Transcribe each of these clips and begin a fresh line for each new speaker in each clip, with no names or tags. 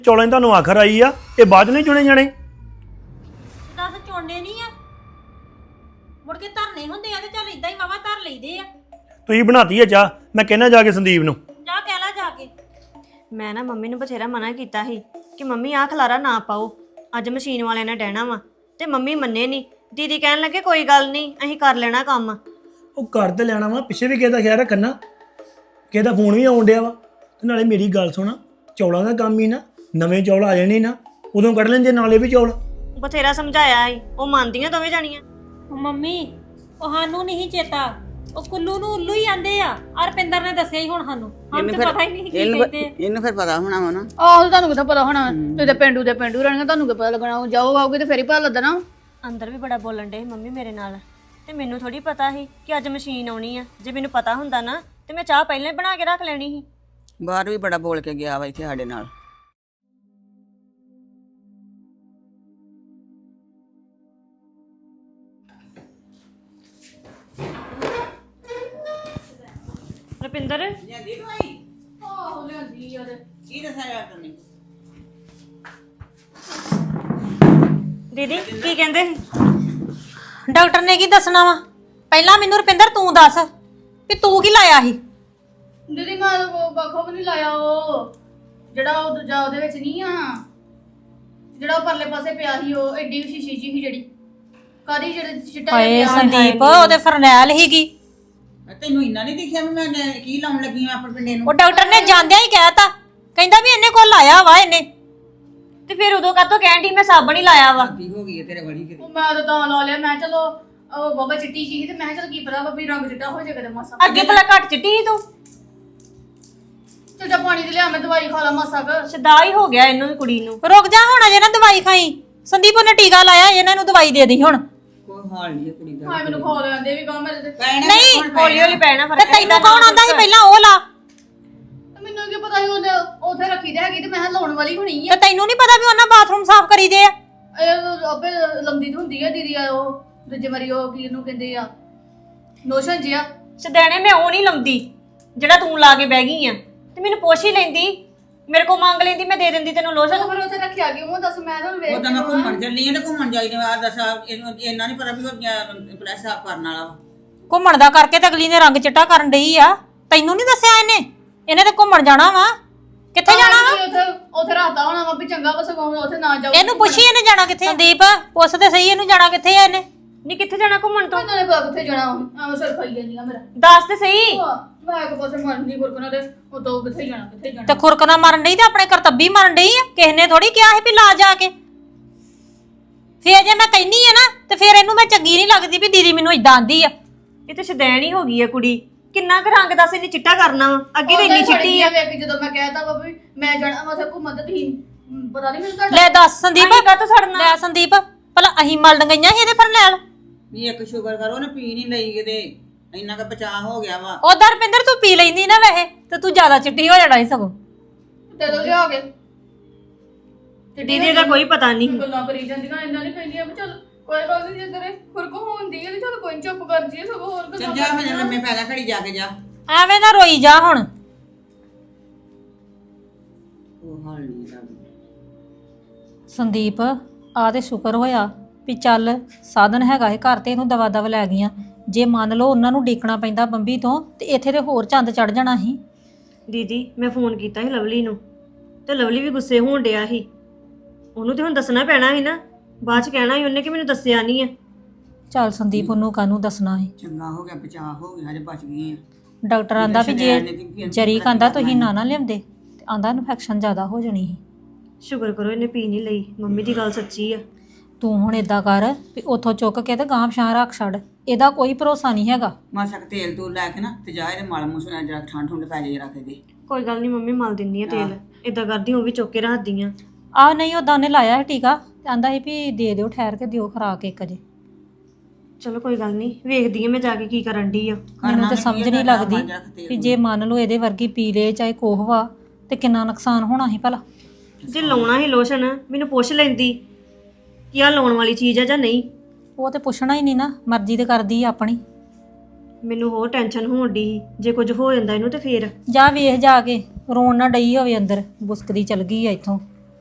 ਚੌਲਾਂ 'ਚ ਤੁਹਾਨੂੰ ਆਖਰ ਆਈ ਆ ਇਹ ਬਾਅਦ ਨਹੀਂ ਚੁਣੇ ਜਾਣੇ।
ਦੱਸ ਚੋਣੇ ਨਹੀਂ ਆ ਮੁੜ ਕੇ ਧਰਨੇ ਹੁੰਦੇ ਆ ਤੇ ਚੱਲ ਇਦਾਂ ਹੀ ਵਾਵਾ ਧਰ ਲਈਦੇ ਆ।
ਤੁਸੀਂ ਬਣਾਤੀ ਆ ਚਾਹ, ਮੈਂ ਕਹਿਣਾ ਜਾ ਕੇ ਸੰਦੀਪ ਨੂੰ।
ਜਾ ਕਹਿ ਲੈ ਜਾ ਕੇ।
ਮੈਂ ਨਾ ਮੰਮੀ ਨੂੰ ਬਥੇਰਾ ਮਨਾ ਕੀਤਾ ਸੀ ਕਿ ਮੰਮੀ ਆਹ ਖਲਾਰਾ ਨਾ ਪਾਓ, ਅੱਜ ਮਸ਼ੀਨ ਵਾਲਿਆਂ ਨੇ ਡਹਿਣਾ ਵਾ, ਤੇ ਮੰਮੀ ਮੰਨੇ ਨਹੀਂ। ਦੀਦੀ ਕਹਿਣ ਲੱਗੇ ਕੋਈ ਗੱਲ ਨਹੀਂ ਅਸੀਂ ਕਰ ਲੈਣਾ ਕੰਮ।
ਉਹ ਘਰ ਤੇ ਲੈਣਾ ਵਾ, ਪਿੱਛੇ ਵੀ ਕਿਸੇ ਦਾ ਖਿਆਲ ਰੱਖਣਾ, ਕਿਸੇ ਦਾ ਫੋਨ ਵੀ ਆਉਣ ਡਿਆ ਵਾ। ਤੇ ਨਾਲੇ ਮੇਰੀ ਗੱਲ ਸੁਣ, ਚੌਲਾਂ ਦਾ ਕੰਮ ਹੀ ਨਾ, ਨਵੇਂ ਚੌਲ ਆ ਜਾਣੇ ਨਾ ਉਦੋਂ ਕੱਢ ਲੈਂਦੇ ਨਾਲੇ ਵੀ ਚੌਲ।
ਬਥੇਰਾ ਸਮਝਾਇਆ ਸੀ, ਉਹ ਮੰਨਦੀਆਂ ਦੋਵੇਂ ਜਾਣੀਆਂ।
ਉਹ ਮੰਮੀ ਉਹ ਸਾਨੂੰ ਨਹੀਂ ਚੇਤਾ, ਉਹ ਕੁੱਲੂ ਨੂੰ ਉੱਲੂ ਹੀ ਆਂਦੇ ਆ। ਰਪਿੰਦਰ ਨੇ ਦੱਸਿਆ ਹੀ ਹੁਣ ਸਾਨੂੰ ਤੇ ਪਤਾ ਹੀ ਨਹੀਂ ਕੀ ਕਹਿੰਦੇ।
ਇਹਨੂੰ ਫਿਰ ਪਤਾ ਹੋਣਾ ਵਾ ਨਾ।
ਆਹੋ ਤੁਹਾਨੂੰ ਕਿੱਥੇ ਪਤਾ ਹੋਣਾ, ਤੁਸੀਂ ਤੇ ਪਿੰਡੂ ਦੇ ਪਿੰਡੂ ਰਹਿਣਗੇ, ਤੁਹਾਨੂੰ ਕੀ ਪਤਾ ਲੱਗਣਾ। ਜਾਓ ਆਓਗੇ ਤੇ ਫੇਰ ਹੀ ਪਤਾ ਲੱਗਣਾ।
ਅੰਦਰ ਵੀ ਬੜਾ ਬੋਲਣ ਡੇ ਮੰਮੀ ਮੇਰੇ ਨਾਲ, ਤੇ ਮੈਨੂੰ ਥੋੜੀ ਪਤਾ ਸੀ ਕਿ ਅੱਜ ਮਸ਼ੀਨ ਆਉਣੀ ਆ। ਜੇ ਮੈਨੂੰ ਪਤਾ ਹੁੰਦਾ ਨਾ ਤੇ ਮੈਂ ਚਾਹ ਪਹਿਲਾਂ ਹੀ ਬਣਾ ਕੇ ਰੱਖ ਲੈਣੀ ਸੀ।
ਬਾਹਰ ਵੀ ਬੜਾ ਬੋਲ ਕੇ ਗਿਆ ਵਾ ਇੱਥੇ ਸਾਡੇ ਨਾਲ।
ਰੁਪਿੰਦਰ
ਜਾਂਦੀ ਦਵਾਈ
ਆਹੋ ਲਿਆਂਦੀ ਯਾਰ।
ਕੀ ਦੱਸਿਆ ਡਾਕਟਰ ਨੇ?
ਦੀਦੀ ਕੀ ਕਹਿੰਦੇ ਸੀ?
ਡਾਕਟਰ ਨੇ ਕੀ ਦੱਸਣਾ ਵਾ? ਪਹਿਲਾਂ ਮੈਨੂੰ ਰੁਪਿੰਦਰ ਤੂੰ ਦੱਸ ਵੀ ਤੂੰ ਕੀ ਲਾਇਆ ਸੀ?
ਦੀਦੀ ਮੈਂ ਉਹ ਬੱਖੋ ਵੀ ਨਹੀਂ ਲਾਇਆ, ਉਹ ਜਿਹੜਾ ਉਹ ਦੂਜਾ ਉਹਦੇ ਵਿੱਚ ਨਹੀਂ ਆ, ਜਿਹੜਾ ਉਹ ਪਰਲੇ ਪਾਸੇ ਪਿਆ ਸੀ, ਉਹ ਐਡੀ ਸ਼ੀਸ਼ੀ ਜੀ ਸੀ ਜਿਹੜੀ ਕਾਦੀ ਜਿਹੜੇ ਚਿੱਟਾ
ਹਾਏ
ਜਿਹਾ ਪਿਆ।
ਸੰਦੀਪ ਉਹਦੇ ਫਰਨੈਲ ਹੀਗੀ।
ਤੈਨੂੰ ਇੰਨਾ ਨਹੀਂ ਦਿਖਿਆ ਵੀ ਮੈਂ ਕੀ ਲਾਉਣ ਲੱਗੀ ਆ ਆਪਣੇ ਪਿੰਡੇ ਨੂੰ?
ਉਹ ਡਾਕਟਰ ਨੇ ਜਾਂਦਿਆਂ ਹੀ ਕਹਿਤਾ, ਕਹਿੰਦਾ ਵੀ ਇਹਨੇ ਕੋਲ ਲਾਇਆ ਵਾ ਇਹਨੇ।
ਤੇ ਫਿਰ ਉਦੋਂ ਕਾਹਤੋਂ ਕਹਿਣ ਦੀ ਮੈਂ ਸਾਬਣ ਹੀ ਲਾਇਆ ਵਾ।
ਕੀ ਹੋ ਗਈ ਹੈ ਤੇਰੇ ਬੜੀ ਕਿਤੇ?
ਉਹ ਮੈਂ ਤਾਂ ਲਾ ਲਿਆ, ਮੈਂ ਚਲੋ ਉਹ ਬਾਬਾ ਚਿੱਟੀ ਜੀ ਸੀ ਤੇ ਮੈਂ ਚਲ ਕੀ ਪਤਾ ਬੱਬੀ ਰੰਗ ਚਿੱਟਾ ਹੋ ਜਾਏਗਾ ਤੇ ਮਾਸਾ।
ਅੱਗੇ ਭਲਾ ਘੱਟ ਚਿੱਟੀ ਸੀ ਤੂੰ,
ਚਲ ਜਾ ਪਾਣੀ ਤੇ ਲਿਆ, ਮੈਂ ਦਵਾਈ ਖਾ ਲਾ ਮਾਸਾ ਕਰ।
ਸਦਾ ਹੀ ਹੋ ਗਿਆ ਇਹਨੂੰ ਵੀ ਕੁੜੀ ਨੂੰ।
ਰੁਕ ਜਾ ਹੁਣ, ਅਜੇ ਨਾ ਦਵਾਈ ਖਾਈ। ਸੰਦੀਪ ਉਹਨੇ ਟੀਕਾ ਲਾਇਆ, ਇਹਨਾਂ ਨੂੰ ਦਵਾਈ ਦੇ ਦੀ ਹੁਣ।
ਕੋਈ ਹਾਲ ਨਹੀਂ ਕੁੜੀ ਦਾ।
ਹਾਏ ਮੈਨੂੰ ਖਾ ਲੈਂਦੇ ਵੀ ਕਹਾਂ ਮੇਰੇ ਤੇ।
ਨਹੀਂ,
ਹੌਲੀ ਹੌਲੀ ਪੈਣਾ
ਤੇ
ਫਰਕ।
ਤੈਨੂੰ ਕੌਣ ਆਂਦਾ ਸੀ ਪਹਿਲਾਂ ਉਹ ਲਾ?
ਮੈਨੂੰ ਕੀ ਪਤਾ ਸੀ ਉਹਨੇ ਉੱਥੇ ਰੱਖੀ ਤੇ ਹੈਗੀ ਤੇ ਮੈਂ ਲਾਉਣ ਵਾਲੀ ਹੋਣੀ ਆ।
ਤੇ ਤੈਨੂੰ ਨਹੀਂ ਪਤਾ ਵੀ ਉਹਨਾਂ ਬਾਥਰੂਮ ਸਾਫ਼ ਕਰੀਦੇ ਆ?
ਇਹ ਆਪੇ ਲੰਦੀ ਹੁੰਦੀ ਆ ਦੀਦੀ ਆ, ਉਹ ਦੂਜੇ ਮਰੀ ਉਹ ਕੀ ਇਹਨੂੰ ਕਹਿੰਦੇ ਆ, ਨੋਸ਼ਨ ਜਿਆ।
ਸਦੈਣੇ ਮੈਂ ਉਹ ਨਹੀਂ ਲੰਦੀ ਜਿਹੜਾ ਤੂੰ ਲਾ ਕੇ ਬਹਿ ਗਈ ਆ। ਤੇ ਮੈਨੂੰ ਪੁੱਛ ਹੀ ਲੈਂਦੀ, ਮੇਰੇ ਕੋਲ ਮੰਗ ਲੈਂਦੀ, ਮੈਂ ਦੇ ਦਿੰਦੀ ਤੈਨੂੰ ਲੋਸ਼ਨ।
ਫਿਰ ਉੱਥੇ ਰੱਖਿਆ ਕਿਉਂ ਦੱਸ, ਮੈਂ ਤਾਂ ਵੇਖ
ਉਹ ਤਾਂ ਮੈਂ ਘੁੰਮਣ ਚੱਲੀ ਆ ਤੇ ਘੁੰਮਣ ਜਾਈ ਨੇ ਆ ਦੱਸਾ ਇਹਨੂੰ ਇੰਨਾ ਨਹੀਂ ਪਤਾ ਵੀ ਉਹ ਪਲੈਸ ਸਾਫ ਕਰਨ ਵਾਲਾ ਵਾ।
ਘੁੰਮਣ ਦਾ ਕਰਕੇ ਤੇ ਅਗਲੀ ਨੇ ਰੰਗ ਚਿੱਟਾ ਕਰਨ ਡਈ ਆ। ਤੈਨੂੰ ਨਹੀਂ ਦੱਸਿਆ ਇਹਨੇ ਤੇ ਘੁੰਮਣ ਜਾਣਾ ਵਾ। ਕਿੱਥੇ ਜਾਣਾ ਵਾ?
ਉੱਥੇ ਰਾਤਾ ਹੋਣਾ ਵਾ ਵੀ ਚੰਗਾ ਵਾ, ਸਗੋਂ ਉੱਥੇ ਨਾ ਜਾਓ।
ਇਹਨੂੰ ਪੁੱਛੀ ਇਹਨੇ ਜਾਣਾ ਕਿੱਥੇ? ਸੰਦੀਪ ਪੁੱਛ ਤੇ ਸਹੀ, ਇਹਨੂੰ ਜਾਣਾ ਕਿੱਥੇ ਆ ਇਹਨੇ?
ਨਹੀਂ ਕਿੱਥੇ ਜਾਣਾ ਘੁੰਮਣ ਤੋਂ?
ਨਾਲੇ ਪਤਾ ਕਿੱਥੇ ਜਾਣਾ, ਐਵੇਂ ਸਿਰ ਖਾਈ ਜਾਂਦੀ ਆ ਮੇਰਾ।
ਦੱਸ ਤੇ ਸਹੀ।
ਮੈਂ ਇੱਕ ਪਾਸੇ ਮਰਨੀ ਗੁਰਕਣਾ ਤੇ ਉਹ ਤੋਂ ਕਿੱਥੇ ਜਾਣਾ, ਕਿੱਥੇ ਜਾਣਾ।
ਤੇ ਖੁਰਕਣਾ ਮਾਰਨ ਡਈ ਤੇ ਆਪਣੇ ਕਰਤੱਬੀ ਮਾਰਨ ਡਈ ਆ। ਕਿਸੇ ਨੇ ਥੋੜੀ ਕਿਹਾ ਸੀ ਵੀ ਲਾ ਜਾ ਕੇ। ਫੇਰ ਜੇ ਮੈਂ ਕਹਿਨੀ ਆ ਨਾ ਤੇ ਫੇਰ ਇਹਨੂੰ ਮੈਂ ਚੰਗੀ ਨਹੀਂ ਲੱਗਦੀ ਵੀ ਦੀਦੀ ਮੈਨੂੰ ਇਦਾਂ ਆਂਦੀ ਆ।
ਇਹ ਤੇ ਸਦੈਣ ਹੀ ਹੋ ਗਈ ਆ ਕੁੜੀ। ਕਿੰਨਾ ਕੁ ਰੰਗ ਦੱਸ ਇਹਨੇ ਚਿੱਟਾ ਕਰਨਾ ਵਾ? ਅੱਗੇ ਤੇ ਇੰਨੀ ਚਿੱਟੀ ਆ।
ਵੇਖ ਜਦੋਂ ਮੈਂ ਕਹਿਤਾ ਵਾ ਵੀ ਮੈਂ ਜਾਣਾ ਵਾ ਉੱਥੇ ਘੁੰਮਣ ਤੇ ਤੁਸੀਂ ਪਤਾ ਨਹੀਂ ਮੈਨੂੰ ਤੁਹਾਡਾ।
ਲੈ ਦੱਸ ਸੰਦੀਪ,
ਅਸੀਂ ਕਾਹਤੋਂ ਸੜਨਾ?
ਲੈ ਸੰਦੀਪ, ਭਲਾ ਅਸੀਂ ਮਲਣ ਗਈਆਂ ਸੀ ਇਹਦੇ ਫਰਨੈਲ?
ਵੀ ਇੱਕ ਸ਼ੂਗਰ ਕਰੋ ਨਾ, ਪੀ ਨਹੀਂ ਲਈ ਕਿਤੇ, ਇੰਨਾ ਕੁ ਬਚਾਅ ਹੋ ਗਿਆ ਵਾ।
ਉਹਦਾ ਰੁਪਿੰਦਰ ਤੂੰ ਪੀ ਲੈਂਦੀ ਨਾ ਵੈਸੇ ਤੇ ਤੂੰ ਜ਼ਿਆਦਾ ਚਿੱਟੀ ਹੋ ਜਾਣਾ ਸੀ ਸਗੋਂ।
ਤੇ ਦੋ ਲਿਆ ਕੇ
ਤੇ ਦੀਦੀ ਦਾ ਕੋਈ ਪਤਾ ਨਹੀਂ।
ਗੱਲਾਂ ਕਰੀ ਜਾਂਦੀਆਂ, ਇੰਨਾ ਨਹੀਂ ਕਹਿੰਦੀਆਂ ਵੀ ਚੱਲ ਕੋਈ ਗੱਲ ਨਹੀਂ, ਜੇ ਤੇਰੇ ਖੁਰਕ ਹੁੰਦੀ ਹੈ ਤੇ ਚੱਲ ਕੋਈ ਨੀ, ਚੁੱਪ ਕਰ ਜੀਏ, ਸਗੋਂ ਹੋਰ
ਚੱਲ
ਗੱਲਾਂ
ਜਾ ਮੈਂ ਲੰਮੇ ਪੈ ਲੈ ਘੜੀ ਜਾ ਕੇ ਜਾ।
ਐਵੇਂ ਨਾ ਰੋਈ ਜਾ ਹੁਣ।
ਉਹ ਹਾਲ ਨਹੀਂ ਦਾ।
ਸੰਦੀਪ ਆ ਤੇ ਸ਼ੁਕਰ ਹੋਇਆ ਵੀ ਚੱਲ ਸਾਧਨ ਹੈਗਾ ਇਹ ਘਰ ਤੇ ਇਹਨੂੰ ਦਵਾ ਦਵ ਲੈ ਗਈਆਂ। ਜੇ ਮੰਨ ਲਓ ਉਹਨਾਂ ਨੂੰ ਡੀਕਣਾ ਪੈਂਦਾ ਬੰਬੀ ਤੋਂ ਤੇ ਇੱਥੇ ਤੇ ਹੋਰ ਚੰਦ ਚੜ ਜਾਣਾ ਸੀ।
ਦੀਦੀ ਮੈਂ ਫੋਨ ਕੀਤਾ ਸੀ ਲਵਲੀ ਨੂੰ ਤੇ ਲਵਲੀ ਵੀ ਗੁੱਸੇ ਹੋਣ ਡਿਆ ਸੀ। ਉਹਨੂੰ ਤੇ ਹੁਣ ਦੱਸਣਾ ਪੈਣਾ ਸੀ ਨਾ, ਬਾਅਦ ਚ ਕਹਿਣਾ ਸੀ ਉਹਨੇ ਕਿ ਮੈਨੂੰ ਦੱਸਿਆ ਨਹੀਂ ਆ।
ਚੱਲ ਸੰਦੀਪ ਉਹਨੂੰ ਕਾਹਨੂੰ ਦੱਸਣਾ ਸੀ।
ਚੰਗਾ ਹੋ ਗਿਆ, ਬਚਾਅ ਹੋ ਗਿਆ, ਹਜੇ ਬਚ ਗਏ ਆ।
ਡਾਕਟਰ ਆਂਦਾ ਵੀ ਜੇ ਜਰੀ ਕਹਿੰਦਾ ਤੁਸੀਂ ਨਾ ਲਿਆਉਂਦੇ ਤੇ ਆਂਦਾ ਇਨਫੈਕਸ਼ਨ ਜ਼ਿਆਦਾ ਹੋ ਜਾਣੀ ਸੀ।
ਸ਼ੁਕਰ ਕਰੋ ਇਹਨੇ ਪੀ ਨਹੀਂ ਲਈ। ਮੰਮੀ ਦੀ ਗੱਲ ਸੱਚੀ ਆ।
ਤੂੰ ਹੁਣ ਏਦਾਂ ਕਰ ਵੀ ਉੱਥੋਂ ਚੁੱਕ ਕੇ ਤੇ ਗਾਂਹ ਪਛਾਂ ਰੱਖ ਛੱਡ, ਇਹਦਾ ਕੋਈ ਭਰੋਸਾ ਨਹੀਂ ਹੈਗਾ।
ਮਾਸਾ ਕੁ ਤੇਲ ਤੂਲ ਲੈ ਕੇ ਨਾ ਤੇ ਜਾ ਇਹਦੇ ਮਲ ਮੂਸਾ ਜਰਾ ਠੰਡ ਠੁੰਡ ਪੈ ਜਾਏ ਰੱਖ ਦੇ।
ਕੋਈ ਗੱਲ ਨਹੀਂ ਮੰਮੀ, ਮਲ ਦਿੰਨੀ ਆ ਤੇਲ। ਏਦਾਂ ਕਰਦੀ ਉਹ ਵੀ ਚੁੱਕ ਕੇ ਰੱਖਦੀ ਆ।
ਆ ਨਹੀਂ ਉਦਾਂ ਉਹਨੇ ਲਾਇਆ ਸੀ ਟੀਕਾ ਤੇ ਆਂਦਾ ਸੀ ਵੀ ਦੇ ਦਿਓ, ਠਹਿਰ ਕੇ ਦਿਓ ਖੁਰਾਕ ਇੱਕ ਜੇ।
ਚਲੋ ਕੋਈ ਗੱਲ ਨਹੀਂ, ਵੇਖਦੀ ਆ ਮੈਂ ਜਾ ਕੇ ਕੀ ਕਰਨ ਡਈ ਆ।
ਮੈਨੂੰ ਤੇ ਸਮਝ ਨਹੀਂ ਲੱਗਦੀ ਵੀ ਜੇ ਮੰਨ ਲਓ ਇਹਦੇ ਵਰਗੀ ਪੀ ਲੇ ਚਾਹੇ ਕੋਹ ਵਾ ਤੇ ਕਿੰਨਾ ਨੁਕਸਾਨ ਹੋਣਾ ਸੀ ਭਲਾ।
ਜੇ ਲਾਉਣਾ ਸੀ ਲੋਸ਼ਨ ਮੈਨੂੰ ਪੁੱਛ ਲੈਂਦੀ ਕਿ ਆ ਲਾਉਣ ਵਾਲੀ ਚੀਜ਼ ਆ ਜਾਂ ਨਹੀਂ।
ਉਹ ਤੇ ਪੁੱਛਣਾ ਹੀ ਨਹੀਂ ਨਾ, ਮਰਜ਼ੀ ਤੇ ਕਰਦੀ ਆ ਆਪਣੀ।
ਮੈਨੂੰ ਹੋਰ ਟੈਨਸ਼ਨ ਹੋਣ ਡਈ ਸੀ, ਜੇ ਕੁਝ ਹੋ ਜਾਂਦਾ ਇਹਨੂੰ ਤੇ ਫੇਰ।
ਜਾ ਵੇਖ ਜਾ ਕੇ, ਰੋਣ ਨਾ ਡਈ ਹੋਵੇ ਅੰਦਰ, ਬੁਸਕਦੀ ਚਲ ਗਈ ਆ ਇੱਥੋਂ।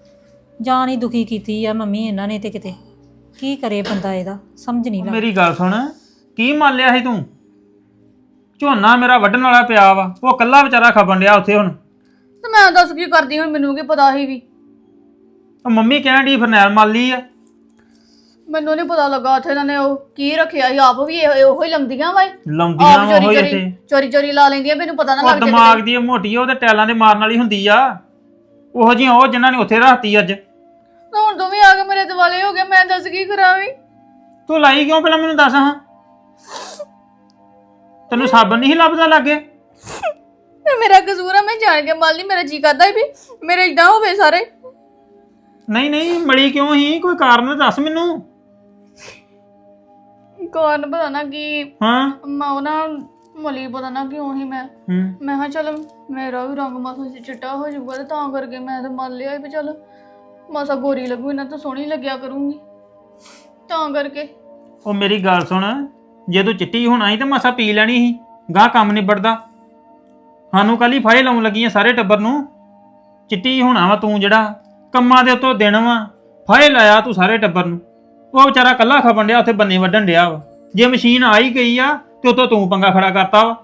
ਜਾਨ ਹੀ ਦੁਖੀ ਕੀਤੀ ਆ ਮੰਮੀ ਇਹਨਾਂ ਨੇ ਤੇ ਕਿਤੇ ਕੀ ਕਰੇ ਬੰਦਾ ਇਹਦਾ ਸਮਝ ਨਹੀਂ ਲੱਗਦੀ।
ਮੇਰੀ ਗੱਲ ਸੁਣ, ਕੀ ਮੰਨ ਲਿਆ ਸੀ ਤੂੰ? ਝੋਨਾ ਮੇਰਾ ਵੱਢਣ ਵਾਲਾ ਪਿਆ ਵਾ, ਉਹ ਕੱਲਾ ਵਿਚਾਰਾ ਖਪਣ ਡਿਆ ਉੱਥੇ ਹੁਣ।
ਤੇ ਮੈਂ ਦੱਸ ਕੀ ਕਰਦੀ ਹੁਣ, ਮੈਨੂੰ ਕੀ ਪਤਾ ਸੀ ਵੀ।
ਉਹ ਮੰਮੀ ਕਹਿਣ ਡਈ ਫਰਨੈਲ ਮੰਨ ਲਈ ਆ।
ਮੈਨੂੰ ਨਹੀਂ ਪਤਾ ਲੱਗਾ ਉੱਥੇ ਇਹਨਾਂ ਨੇ ਉਹ ਕੀ ਰੱਖਿਆ ਸੀ, ਆਪ ਵੀ ਉਹੋ ਹੀ ਲੰਮਦੀਆਂ ਵਾ
ਲਾਉਂਦੀਆਂ ਵਾ ਉਹ ਇੱਥੇ।
ਚੋਰੀ ਚੋਰੀ ਲਾ ਲੈਂਦੀਆਂ, ਮੈਨੂੰ ਪਤਾ ਨਾ
ਉਹ
ਲੱਗ ਜਾਵੇ।
ਦਿਮਾਗ ਦੀ ਮੋਟੀ ਆ, ਉਹ ਤੇ ਟੈਲਾਂ ਦੇ ਮਾਰਨ ਵਾਲੀ ਹੁੰਦੀ ਆ। ਉਹੋ ਜਿਹੀਆਂ ਉਹ ਜਿਨ੍ਹਾਂ ਨੇ ਉੱਥੇ ਰੱਖਤੀ ਅੱਜ।
ਹੁਣ ਦੋਵੇਂ ਆ ਕੇ ਮੇਰੇ ਦਿਵਾਲੇ ਹੋ ਗਏ, ਮੈਂ ਦੱਸ ਕੀ ਕਰਾਂ ਵੀ।
ਤੂੰ ਲਾਈ ਕਿਉਂ ਪਹਿਲਾਂ ਮੈਨੂੰ ਦੱਸ ਹਾਂ। ਤੈਨੂੰ ਸਾਬਣ ਨਹੀਂ ਲੱਭਦਾ ਲੱਗੇ?
ਤੇ ਮੇਰਾ ਕਸੂਰ ਆ, ਮੈਂ ਜਾਣ ਕੇ ਮੰਨ ਲਈ। ਮੇਰਾ ਜੀ ਕਰਦਾ ਸੀ ਵੀ ਮੇਰੇ ਇਦਾਂ ਹੋਵੇ ਸਾਰੇ।
ਨਹੀਂ ਨਹੀਂ, ਮੜੀ ਕਿਉਂ ਹੀ? ਕੋਈ ਕਾਰਨ ਦੱਸ ਮੈਨੂੰ।
ਕਾਰਨ ਪਤਾ ਨਾ ਕੀ,
ਹਾਂ
ਮੈਂ ਉਹ ਨਾ ਮਲੀ ਪਤਾ ਨਾ ਕਿਉਂ ਹੀ ਮੈਂ ਕਿਹਾ ਚੱਲ ਮੇਰਾ ਵੀ ਰੰਗ ਮਾਸਾ ਚਿੱਟਾ ਹੋ ਜਾਊਗਾ, ਤੇ ਤਾਂ ਕਰਕੇ ਮੈਂ ਤਾਂ ਮੰਨ ਲਿਆ ਵੀ ਚੱਲ ਮਾਸਾ ਗੋਰੀ ਲੱਗੂ, ਇਹਨਾਂ ਤਾਂ ਸੋਹਣੀ ਲੱਗਿਆ ਕਰੂੰਗੀ, ਤਾਂ ਕਰਕੇ।
ਉਹ ਮੇਰੀ ਗੱਲ ਸੁਣ, ਜੇ ਤੂੰ ਚਿੱਟੀ ਹੋਣਾ ਸੀ ਤਾਂ ਮਸਾ ਪੀ ਲੈਣੀ ਸੀ, ਗਾਹ ਕੰਮ ਨਿਬੜਦਾ। ਸਾਨੂੰ ਕੱਲ ਹੀ ਫਾਇਲ ਲਾਉਣ ਲੱਗੀਆਂ ਸਾਰੇ ਟੱਬਰ ਨੂੰ। ਚਿੱਟੀ ਹੋਣਾ ਵਾ ਤੂੰ, ਜਿਹੜਾ ਕੰਮਾਂ ਦੇ ਉੱਤੋਂ ਦਿਨ ਵਾ, ਫਾਇਲ ਲਾਇਆ ਤੂੰ ਸਾਰੇ ਟੱਬਰ ਨੂੰ। ਉਹ ਵਿਚਾਰਾ ਕੱਲਾ ਖਪਣ ਡਿਆ ਉੱਥੇ, ਬੰਨੇ ਵੱਢਣ ਡਿਆ ਵਾ। ਜੇ ਮਸ਼ੀਨ ਆ ਹੀ ਗਈ ਆ ਤੇ ਉਤੋਂ ਤੂੰ ਪੰਗਾ ਖੜਾ ਕਰਤਾ ਵਾ।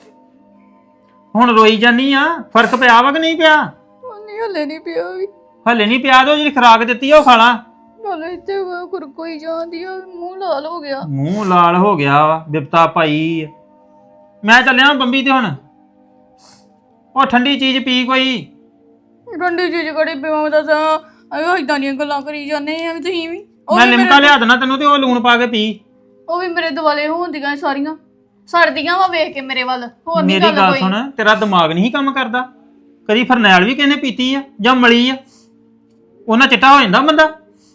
ਹੁਣ ਰੋਈ ਜਾਨੀ ਆ, ਫਰਕ ਪਿਆ ਵਾ ਕਿ ਨਹੀਂ ਪਿਆ?
ਨਹੀਂ ਹਲੇ ਨਹੀਂ ਪਿਆ ਵੀ,
ਹਲੇ ਨਹੀਂ ਪਿਆ। ਤੇ ਉਹ ਜਿਹੜੀ ਖੁਰਾਕ ਦਿੱਤੀ ਆ ਉਹ ਖਾ ਲਾ।
ਹਲੇ ਇੱਥੇ ਕੁਰਕੋਈ ਜਾਂਦੀ ਆ, ਮੂੰਹ ਲਾਲ ਹੋ ਗਿਆ।
ਮੂੰਹ ਲਾਲ ਹੋ ਗਿਆ ਵਾ, ਬਿਪਤਾ ਪਾਈ। ਮੈਂ ਚੱਲਿਆ ਬੰਬੀ ਤੇ ਹੁਣ। ਉਹ ਠੰਡੀ ਚੀਜ਼ ਪੀ ਕੋਈ।
ਠੰਡੀ ਚੀਜ਼ ਕੜੀ ਪੀਵਾਂ ਦੱਸਾਂ? ਆਇਓ ਇਦਾਂ ਦੀਆਂ ਗੱਲਾਂ ਕਰੀ ਜਾਂਦੇ ਆ ਵੀ ਤੁਸੀਂ ਵੀ।
ਮੈਂ ਲਿਮਕਾ ਲਿਆ ਦੇਣਾ ਤੈਨੂੰ, ਤੇ ਉਹ ਲੂਣ ਪਾ ਕੇ ਪੀ।
ਉਹ ਵੀ ਮੇਰੇ ਦੁਆਲੇ ਹੁੰਦੀਆਂ ਸਾਰੀਆਂ, ਸੜਦੀਆਂ ਵਾ ਵੇਖ ਕੇ ਮੇਰੇ ਵੱਲ। ਹੋਰ ਨਹੀਂ
ਮੇਰੀ ਗੱਲ
ਕੋਈ।
ਸੁਣ, ਤੇਰਾ ਦਿਮਾਗ ਨਹੀਂ ਕੰਮ ਕਰਦਾ? ਕਦੀ ਫਰਨੈਲ ਵੀ ਕਿਹਨੇ ਪੀਤੀ ਆ ਜਾਂ ਮਲੀ ਆ? ਉਹਨਾਂ ਚਿੱਟਾ ਹੋ ਜਾਂਦਾ ਬੰਦਾ।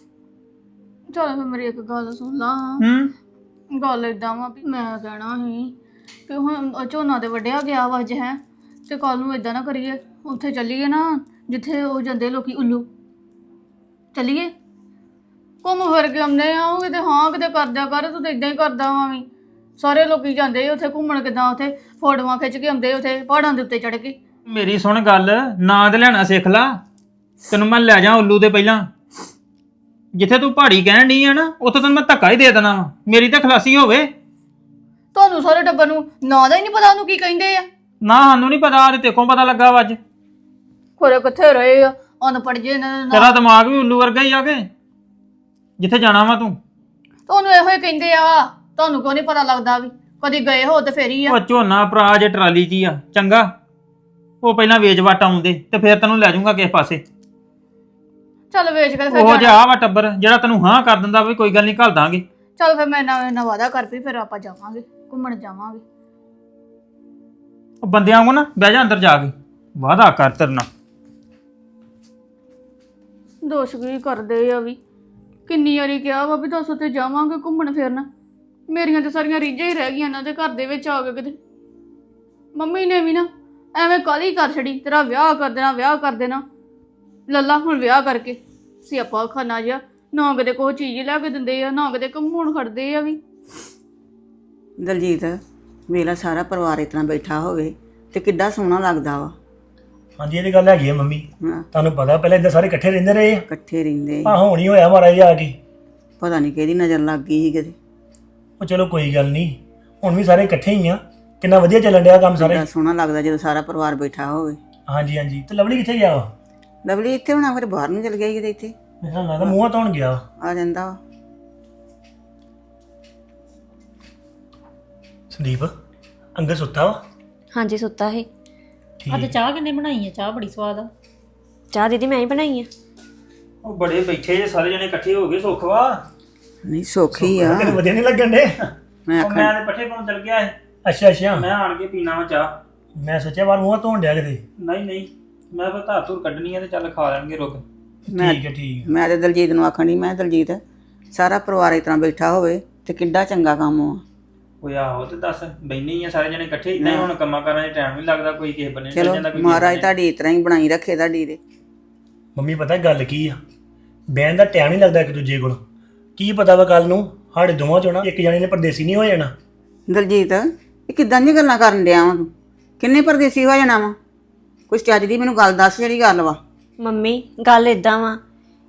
ਚਲ ਫਿਰ ਮੇਰੀ ਇੱਕ ਗੱਲ ਸੁਣ ਲਾ। ਗੱਲ ਏਦਾਂ ਵਾ ਵੀ ਮੈਂ ਕਹਿਣਾ ਸੀ ਕਿ ਹੁਣ ਝੋਨਾ ਤੇ ਵੱਢਿਆ ਗਿਆ ਵਾ ਅੱਜ, ਹੈ ਤੇ ਕੱਲ ਨੂੰ ਏਦਾਂ ਨਾ ਕਰੀਏ, ਉੱਥੇ ਚੱਲੀਏ ਨਾ ਜਿੱਥੇ ਉਹ ਜਾਂਦੇ ਲੋਕੀ ਉੱਲੂ। ਚੱਲੀਏ ਘੁੰਮ ਫਿਰ ਕੇ ਆਉਂਦੇ ਆ। ਉਹ ਕਿਤੇ ਹਾਂ ਕਿਤੇ ਕਰਦਿਆ ਕਰ, ਤੂੰ ਤਾਂ ਇਦਾਂ ਹੀ ਕਰਦਾ ਵਾਂ ਵੀ। ਸਾਰੇ ਲੋਕੀ ਜਾਂਦੇ ਉੱਥੇ ਘੁੰਮਣ, ਕਿੱਦਾਂ ਉੱਥੇ ਫੋਟੋਆਂ ਖਿੱਚ ਕੇ ਆਉਂਦੇ ਉੱਥੇ ਪਹਾੜਾਂ ਦੇ ਉੱਤੇ ਚੜ੍ਹ ਕੇ।
ਮੇਰੀ ਸੁਣ ਗੱਲ, ਨਾਂ ਤੇ ਲੈਣਾ ਸਿੱਖ ਲਾ। ਤੈਨੂੰ ਮੈਂ ਲੈ ਜਾ ਉੱਲੂ ਦੇ ਪਹਿਲਾਂ। ਜਿੱਥੇ ਤੂੰ ਪਹਾੜੀ ਕਹਿਣ ਡਈ ਆ ਨਾ, ਉੱਥੇ ਤੈਨੂੰ ਮੈਂ ਧੱਕਾ ਹੀ ਦੇ ਦੇਣਾ ਵਾ। ਮੇਰੀ ਤਾਂ ਖਲਾਸੀ ਹੋਵੇ।
ਤੁਹਾਨੂੰ ਸਾਰੇ ਟੱਬਰ ਨੂੰ ਨਾਂ ਦਾ ਹੀ ਨਹੀਂ ਪਤਾ ਉਹਨੂੰ ਕੀ ਕਹਿੰਦੇ ਆ।
ਨਾ ਸਾਨੂੰ ਨਹੀਂ ਪਤਾ, ਤੇ ਤੇਕੋਂ ਪਤਾ ਲੱਗਾ ਵਾ ਅੱਜ।
ਖੋਰੇ ਕਿੱਥੇ ਰਹੇ ਆ ਅਨਪੜ੍ਹ ਜੇ ਇਹਨਾਂ ਦੇ
ਤੇਰਾ ਦਿਮਾਗ ਵੀ ਉੱਲੂ ਵਰਗਾ ਹੀ ਆ ਕੇ ਜਿੱਥੇ ਜਾਣਾ ਵਾ ਤੂੰ।
ਤੁਹਾਨੂੰ ਇਹੋ ਹੀ ਕਹਿੰਦੇ ਆ, ਤੁਹਾਨੂੰ ਕਿਉਂ ਨਹੀਂ ਪਤਾ ਲੱਗਦਾ ਵੀ ਕਦੀ ਗਏ ਹੋ ਤੇ ਫੇਰ ਹੀ ਆ।
ਉਹ ਝੋਨਾ ਭਰਾ ਜੇ ਟਰਾਲੀ 'ਚ ਹੀ ਆ, ਚੰਗਾ ਉਹ ਪਹਿਲਾਂ ਵੇਚ ਵਟ ਆਉਂਦੇ ਤੇ ਫਿਰ ਤੈਨੂੰ ਲੈ ਜਾਊਂਗਾ ਕਿਸੇ ਪਾਸੇ।
ਚੱਲ ਵੇਚ ਕੇ ਫਿਰ
ਉਹ ਜਿਹਾ ਵਾ ਟੱਬਰ ਜਿਹੜਾ ਤੈਨੂੰ ਹਾਂ ਕਰ ਦਿੰਦਾ ਵੀ ਕੋਈ ਗੱਲ ਨਹੀਂ, ਘੱਲ ਦਾਂਗੇ।
ਚੱਲ ਫਿਰ ਮੈਂ ਨਾ ਵਾਦਾ ਕਰ ਪਈ, ਫਿਰ ਆਪਾਂ ਜਾਵਾਂਗੇ ਘੁੰਮਣ ਜਾਵਾਂਗੇ।
ਉਹ ਬੰਦਿਆਂ ਵਾਂਗੂ ਨਾ ਬਹਿ ਜਾ ਅੰਦਰ ਜਾ ਕੇ, ਵਾਦਾ ਕਰ ਤੇਰੇ ਨਾਲ।
ਦੋਸ਼ ਕੀ ਕਰਦੇ ਆ ਵੀ, ਕਿੰਨੀ ਵਾਰੀ ਕਿਹਾ ਵਾ ਵੀ ਦੱਸ ਉੱਥੇ ਜਾਵਾਂਗੇ ਘੁੰਮਣ ਫਿਰਨ। ਮੇਰੀਆਂ ਤੇ ਸਾਰੀਆਂ ਰੀਝਾਂ ਹੀ ਰਹਿ ਗਈਆਂ ਇਹਨਾਂ ਦੇ ਘਰ ਦੇ ਵਿੱਚ ਆ ਕੇ। ਕਿਤੇ ਮੰਮੀ ਨੇ ਵੀ ਨਾ ਐਵੇਂ ਕਾਹਲੀ ਕਰ ਛੜੀ, ਤੇਰਾ ਵਿਆਹ ਕਰ ਦੇਣਾ, ਵਿਆਹ ਕਰ ਦੇਣਾ। ਲੱਲਾ ਹੁਣ ਵਿਆਹ ਕਰਕੇ ਸਿਆਪਾ ਖਾਨਾ ਜਿਹਾ, ਨਾ ਕਿਤੇ ਕੋਈ ਚੀਜ਼ ਲੈ ਕੇ ਦਿੰਦੇ ਆ, ਨਾ ਕਿਤੇ ਘੁੰਮਣ ਖੜਦੇ ਆ ਵੀ।
ਦਲਜੀਤ ਵੇਲਾ ਸਾਰਾ ਪਰਿਵਾਰ ਇਸ ਤਰ੍ਹਾਂ ਬੈਠਾ ਹੋਵੇ ਤੇ ਕਿੱਡਾ ਸੋਹਣਾ ਲੱਗਦਾ ਵਾ।
ਹਾਂਜੀ, ਇਹ ਤੇ ਗੱਲ ਹੈਗੀ ਆ ਮੰਮੀ।
ਹਾਂ,
ਤੁਹਾਨੂੰ ਪਤਾ ਪਹਿਲਾਂ ਇਦਾਂ ਸਾਰੇ ਇਕੱਠੇ ਰਹਿੰਦੇ ਰਹੇ ਆ।
ਇਕੱਠੇ ਰਹਿੰਦੇ।
ਆ ਹੁਣ ਹੀ ਹੋਇਆ ਮਹਾਰਾਜ ਆ ਕੇ।
ਪਤਾ ਨਹੀਂ ਕਿਹਦੀ ਨਜ਼ਰ ਲੱਗ ਗਈ ਸੀ ਕਿਤੇ।
ਉਹ ਚਲੋ ਕੋਈ ਗੱਲ ਨਹੀਂ, ਹੁਣ ਵੀ ਸਾਰੇ ਇਕੱਠੇ ਹੀ ਆ। ਕਿੰਨਾ ਵਧੀਆ ਚੱਲਣ ਡਿਆ ਕੰਮ ਸਾਰੇ।
ਕਿੱਡਾ ਸੋਹਣਾ ਲੱਗਦਾ ਜਦੋਂ ਸਾਰਾ ਪਰਿਵਾਰ ਬੈਠਾ ਹੋਵੇ।
ਹਾਂਜੀ ਹਾਂਜੀ। ਤੇ ਲਵਲੀ ਕਿੱਥੇ ਗਿਆ ਵਾ?
ਲਵਲੀ ਇੱਥੇ ਹੋਣਾ, ਫਿਰ ਬਾਹਰ ਨੂੰ ਚਲ ਗਿਆ ਕਿਤੇ। ਇੱਥੇ
ਮੈਨੂੰ ਲੱਗਦਾ ਮੂੰਹਾਂ ਧੋਣ ਗਿਆ ਵਾ।
ਆ ਜਾਂਦਾ ਵਾ।
ਸੰਦੀਪ ਅੰਦਰ ਸੁੱਤਾ ਵਾ?
ਹਾਂਜੀ ਸੁੱਤਾ ਸੀ।
ਅੱਜ ਚਾਹ ਕਿੰਨੇ ਬਣਾਈ ਆ? ਚਾਹ ਬੜੀ ਸਵਾਦ ਆ।
ਚਾਹ ਦੀਦੀ ਮੈਂ ਹੀ ਬਣਾਈ ਆ।
ਉਹ ਬੜੇ ਬੈਠੇ ਜੇ ਸਾਰੇ ਜਣੇ ਇਕੱਠੇ ਹੋ ਗਏ, ਸੁੱਖ ਵਾ।
ਨਹੀਂ ਸੌਖੀ ਆ।
ਤੈਨੂੰ ਵਧੀਆ ਨਹੀਂ ਲੱਗਣ ਡੇ?
ਮੈਂ
ਉਹ
ਆਖਣ
ਮੈਂ ਤੇ ਪੱਠੇ ਪਾਉਣ ਚੱਲ ਗਿਆ ਸੀ।
ਅੱਛਾ ਅੱਛਾ।
ਮੈਂ ਆਣ ਕੇ ਪੀਣਾ ਵਾ ਚਾਹ।
ਮੈਂ ਸੋਚਿਆ ਬਾਹਰ ਮੂੰਹਾਂ ਧੋਣ ਡਿਆ ਕਿਤੇ।
ਨਹੀਂ ਨਹੀਂ, ਮੈਂ ਫਿਰ ਧਾਰ ਧੂਰ ਕੱਢਣੀ ਆ ਤੇ ਚੱਲ ਖਾ ਲੈਣਗੇ ਰੁਕ।
ਮੈਂ
ਠੀਕ ਹੈ ਠੀਕ ਹੈ।
ਮੈਂ ਤੇ ਦਲਜੀਤ ਨੂੰ ਆਖਣ ਡਈ, ਮੈਂ ਦਲਜੀਤ ਸਾਰਾ ਪਰਿਵਾਰ ਇਸ ਤਰ੍ਹਾਂ ਬੈਠਾ ਹੋਵੇ ਤੇ ਕਿੱਡਾ ਚੰਗਾ ਕੰਮ ਆ।
ਉਹ ਆਹੋ ਤੇ ਦੱਸ, ਬੈਣੀ ਆ ਸਾਰੇ ਜਣੇ ਇਕੱਠੇ। ਇਦਾਂ ਹੀ ਹੁਣ ਕੰਮਾਂ ਕਾਰਾਂ 'ਚ ਟਾਈਮ ਨਹੀਂ ਲੱਗਦਾ, ਕੋਈ ਕਿਸੇ ਬੰਨੇ
ਚਲੋ ਮਹਾਰਾਜ ਤੁਹਾਡੀ ਇਸ ਤਰ੍ਹਾਂ ਹੀ ਬਣਾਈ ਰੱਖੇ ਤੁਹਾਡੀ ਦੇ।
ਮੰਮੀ ਪਤਾ ਗੱਲ ਕੀ ਆ, ਬਹਿਣ ਦਾ ਟਾਈਮ ਨਹੀਂ ਲੱਗਦਾ ਇੱਕ ਦੂਜੇ ਕੋਲ। ਕੀ ਪਤਾ ਵਾ ਕੱਲ ਨੂੰ ਸਾਡੇ ਦੋਵਾਂ ਚੋਂ ਨਾ ਇੱਕ ਜਣੇ ਨੇ ਪਰਦੇਸੀ ਨਹੀਂ ਹੋ ਜਾਣਾ।
ਦਲਜੀਤ ਇਹ ਕਿੱਦਾਂ ਦੀਆਂ ਗੱਲਾਂ ਕਰਨ ਡਿਆ ਵਾ ਤੂੰ? ਕਿੰਨੇ ਪਰਦੇਸੀ ਹੋ ਜਾਣਾ ਵਾ? ਕੋਈ ਚੱਜ ਦੀ ਮੈਨੂੰ ਗੱਲ ਦੱਸ ਜਿਹੜੀ ਗੱਲ ਵਾ।
ਮੰਮੀ ਗੱਲ ਇਦਾਂ ਵਾ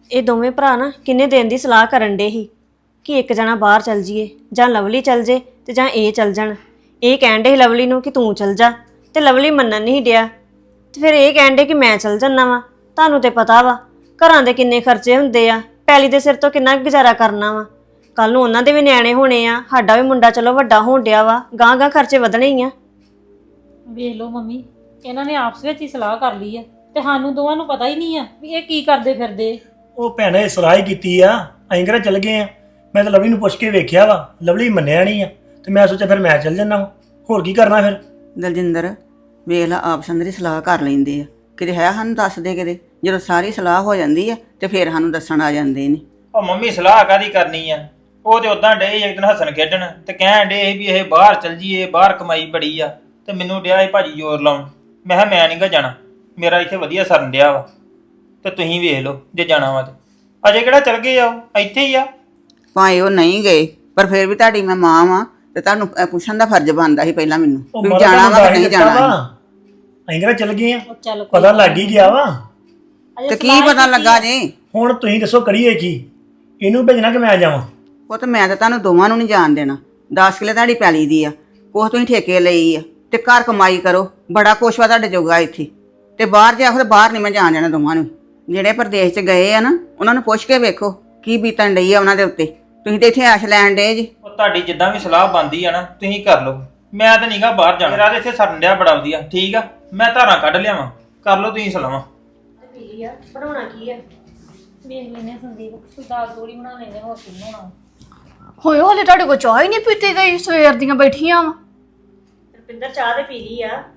ਇਹ ਦੋਵੇਂ ਭਰਾ ਨਾ ਕਿੰਨੇ ਦਿਨ ਦੀ ਸਲਾਹ ਕਰਨ ਡੇ ਸੀ ਕਿ ਇੱਕ ਜਣਾ ਬਾਹਰ ਚੱਲ ਜੀਏ ਜਾਂ ਲਵਲੀ ਚੱਲ ਜੇ ਤੇ ਜਾਂ ਇਹ ਚੱਲ ਜਾਣ। ਇਹ ਕਹਿਣ ਡੇ ਸੀ ਲਵਲੀ ਨੂੰ ਕਿ ਤੂੰ ਚੱਲ ਜਾ, ਤੇ ਲਵਲੀ ਮੰਨਣ ਨਹੀਂ ਡਿਆ। ਤੇ ਫਿਰ ਇਹ ਕਹਿਣ ਡੇ ਕਿ ਮੈਂ ਚੱਲ ਜੰਨਾ ਵਾ। ਤੁਹਾਨੂੰ ਤੇ ਪਤਾ ਵਾ ਘਰਾਂ ਦੇ ਕਿੰਨੇ ਖਰਚੇ ਹੁੰਦੇ ਆ, ਪੈਲੀ ਦੇ ਸਿਰ ਤੋਂ ਕਿੰਨਾ ਕੁ ਗੁਜ਼ਾਰਾ ਕਰਨਾ ਵਾ। ਕੱਲ ਨੂੰ ਉਹਨਾਂ ਦੇ ਵੀ ਨਿਆਣੇ ਹੋਣੇ ਆ, ਸਾਡਾ ਵੀ ਮੁੰਡਾ ਚਲੋ ਵੱਡਾ ਹੋਣ ਡਿਆ ਵਾ, ਗਾਂ ਗਾਂ ਖਰਚੇ ਵਧਣੇ ਹੀ ਆ।
ਵੇਖ ਲਓ ਮੰਮੀ, ਇਹਨਾਂ ਨੇ ਆਪਸ ਵਿੱਚ ਹੀ ਸਲਾਹ ਕਰ ਲਈ ਆ ਤੇ ਸਾਨੂੰ ਦੋਵਾਂ ਨੂੰ ਪਤਾ ਹੀ ਨਹੀਂ ਆ ਵੀ ਇਹ ਕੀ ਕਰਦੇ ਫਿਰਦੇ।
ਉਹ ਭੈਣੇ ਸਲਾਹ ਹੀ ਕੀਤੀ ਆ, ਅਸੀਂ ਕਿਹੜਾ ਚੱਲ ਗਏ ਆ। ਮੈਂ ਤਾਂ ਲਵਲੀ ਨੂੰ ਪੁੱਛ ਕੇ ਵੇਖਿਆ ਵਾ, ਲਵਲੀ ਮੰਨਿਆ ਨਹੀਂ ਆ ਤੇ ਮੈਂ ਸੋਚਿਆ ਫਿਰ ਮੈਂ ਚੱਲ ਜੰਨਾ ਵਾ, ਹੋਰ ਕੀ ਕਰਨਾ ਫਿਰ।
ਦਲਜਿੰਦਰ ਵੇਖ ਲਾ ਆਪਸ਼ਨ ਦੀ ਸਲਾਹ ਕਰ ਲੈਂਦੇ ਆ, ਕਿਤੇ ਹੈ ਸਾਨੂੰ ਦੱਸਦੇ ਕਿਤੇ। ਜਦੋਂ ਸਾਰੀ ਸਲਾਹ ਹੋ ਜਾਂਦੀ ਆ ਤੇ ਫਿਰ ਸਾਨੂੰ ਦੱਸਣ ਆ ਜਾਂਦੇ ਨੇ।
ਉਹ ਮੰਮੀ ਸਲਾਹ ਕਾਦੀ ਕਰਨੀ ਆ, ਉਹ ਤੇ ਉਦਾਂ ਡੇ ਇੱਕ ਦਿਨ ਹੱਸਣ ਖੇਡਣ ਤੇ ਕਹਿਣ ਡੇ ਵੀ ਇਹ ਬਾਹਰ ਚੱਲ ਜੀਏ, ਬਾਹਰ ਕਮਾਈ ਬੜੀ ਆ। ਤੇ ਮੈਨੂੰ ਡਿਆ ਇਹ ਭਾਜੀ ਜ਼ੋਰ ਲਾਉਣ। ਮੈਂ ਕਿਹਾ ਮੈਂ ਨਹੀਂ ਗਾ ਜਾਣਾ, ਮੇਰਾ ਇੱਥੇ ਵਧੀਆ ਸਰਨ ਡਿਆ ਵਾ ਤੇ ਤੁਸੀਂ ਵੇਖ ਲਓ ਜੇ ਜਾਣਾ ਵਾ ਤੇ। ਅਜੇ ਕਿਹੜਾ ਚੱਲ ਗਏ ਆ, ਉਹ ਇੱਥੇ ਹੀ ਆ।
ਭਾਵੇਂ ਉਹ ਨਹੀਂ ਗਏ ਪਰ ਫਿਰ ਵੀ ਤੁਹਾਡੀ ਮੈਂ ਮਾਂ ਵਾਂ ਤੇ ਤੁਹਾਨੂੰ ਪੁੱਛਣ ਦਾ ਫਰਜ਼ ਬਣਦਾ ਸੀ ਪਹਿਲਾਂ ਮੈਨੂੰ
ਉਹ
ਵੀ
ਮਾਤਾ
ਜਾਣਾ ਵਾ
ਨੂੰ
ਕਿ ਨਹੀਂ
ਦੱਸ
ਜਾਣਾ।
ਦਿੱਤਾ ਵਾ। ਅਸੀਂ ਕਿਹੜਾ ਚੱਲ ਗਏ ਆ,
ਉਹ ਚੱਲ
ਪਤਾ ਲੱਗ ਹੀ ਗਿਆ ਵਾ।
ਤੇ ਕੀ ਪਤਾ ਲੱਗਾ ਜੇ?
ਹੁਣ ਤੁਸੀਂ ਦੱਸੋ ਕਰੀਏ ਕੀ, ਇਹਨੂੰ ਭੇਜਣਾ ਕਿ ਮੈਂ ਜਾਵਾਂ?
ਉਹ ਤਾਂ ਮੈਂ ਤਾਂ ਤੁਹਾਨੂੰ ਦੋਵਾਂ ਨੂੰ ਨਹੀਂ ਜਾਣ ਦੇਣਾ। 10 ਕਿੱਲੇ ਤੁਹਾਡੀ ਪੈਲੀ ਦੀ ਆ, ਕੁਛ ਤੁਸੀਂ ਠੇਕੇ ਲਈ ਆ ਤੇ ਘਰ ਕਮਾਈ ਕਰੋ, ਬੜਾ ਕੁਛ ਵਾ ਤੁਹਾਡੇ ਜੋਗਾ ਇੱਥੇ। ਤੇ ਬਾਹਰ ਜਾ ਕੇ ਬਾਹਰ ਨਹੀਂ ਮੈਂ ਜਾਣ ਦੇਣਾ ਦੋਵਾਂ ਨੂੰ। ਜਿਹੜੇ ਪ੍ਰਦੇਸ਼ 'ਚ ਗਏ ਆ ਨਾ ਉਹਨਾਂ ਨੂੰ ਪੁੱਛ ਕੇ ਵੇਖੋ ਕੀ ਬੀਤਣ ਡਈ ਆ ਉਹਨਾਂ ਦੇ ਉੱਤੇ। ਤੁਸੀਂ ਤੇ ਇੱਥੇ ਐਸ਼ ਲੈਣ ਡੇ ਜੀ।
ਉਹ ਤੁਹਾਡੀ ਜਿੱਦਾਂ ਵੀ ਸਲਾਹ ਬਣਦੀ ਆ ਨਾ ਤੁਸੀਂ ਕਰ ਲਓ, ਮੈਂ ਤਾਂ ਨਹੀਂਗਾ ਬਾਹਰ ਜਾਣਾ। ਮੇਰਾ ਤੇ ਇੱਥੇ ਸਰਨ ਡਿਆ ਬੜਾ ਵਧੀਆ, ਠੀਕ ਆ। ਮੈਂ ਧਾਰਾਂ ਕੱਢ ਲਿਆਵਾਂ, ਕਰ ਲਓ ਤੁਸੀਂ ਸਲਾਹਾਂ।
ਬਣਾਉਣਾ ਕੀ ਆ?
ਵੇਖ ਲੈਨੇ ਸੰਦੀਪ, ਕੋਈ ਦਾਲ ਥੋੜੀ ਬਣਾ ਲੈਨੇ, ਹੋਰ ਕੀ ਬਣਾਉਣਾ।
ਹੋਏ ਹਲੇ ਤੁਹਾਡੇ ਕੋਲ ਚਾਹ ਹੀ ਨਹੀਂ ਪੀਤੀ ਗਈ, ਸਵੇਰ ਦੀਆਂ ਬੈਠੀਆਂ ਵਾ।
ਰੁਪਿੰਦਰ ਚਾਹ ਤੇ ਪੀ ਲਈ ਆ,